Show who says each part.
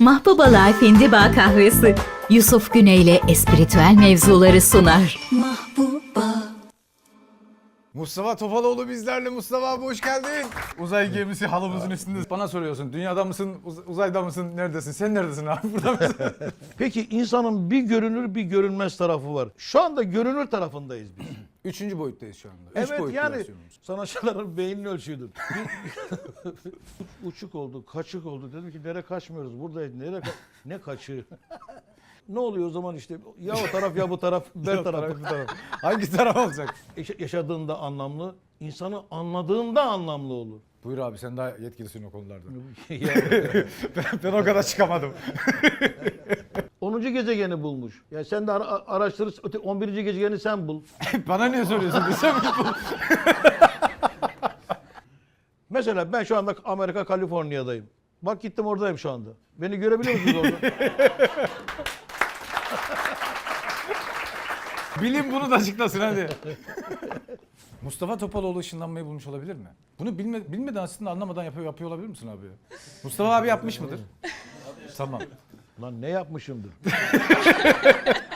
Speaker 1: Mahbuba Life İndiba Kahvesi Yusuf Güney ile espritüel mevzuları sunar.
Speaker 2: Mustafa Topaloğlu bizlerle. Mustafa abi hoş geldin. Uzay gemisi halımızın üstünde. Bana soruyorsun dünyada mısın, uzayda mısın, neredesin? Sen neredesin abi, burada mısın?
Speaker 3: Peki insanın bir görünür bir görünmez tarafı var. Şu anda görünür tarafındayız biz.
Speaker 2: Üçüncü boyuttayız şu anda. Üç
Speaker 3: Evet
Speaker 2: boyutlu
Speaker 3: yani
Speaker 2: versiyonumuz.
Speaker 3: sanatçıların beynini ölçüyordur. Uçuk oldu, kaçık oldu. Dedim ki nereye kaçmıyoruz buradayız. Ne kaçığı? Ne oluyor o zaman işte ya o taraf ya bu taraf, ben tarafı.
Speaker 2: Bu taraf. Hangi taraf olacak?
Speaker 3: Yaşadığında anlamlı, insanı anladığında anlamlı olur.
Speaker 2: Buyur abi, sen daha yetkilisin o konularda.
Speaker 3: Yani
Speaker 2: Ben o kadar çıkamadım.
Speaker 3: 10. gezegeni bulmuş. Ya sen de araştır, 11. gezegeni sen bul.
Speaker 2: Bana niye soruyorsun? Sen
Speaker 3: Mesela ben şu anda Amerika, Kaliforniya'dayım. Bak gittim oradayım şu anda. Beni görebiliyor musunuz orada?
Speaker 2: Bilim bunu da açıklasın hadi. Mustafa Topaloğlu ışınlanmayı bulmuş olabilir mi? Bunu bilmeden aslında anlamadan yapıyor olabilir misin abi? Mustafa abi yapmış mıdır? Tamam.
Speaker 3: Lan ne yapmışımdır?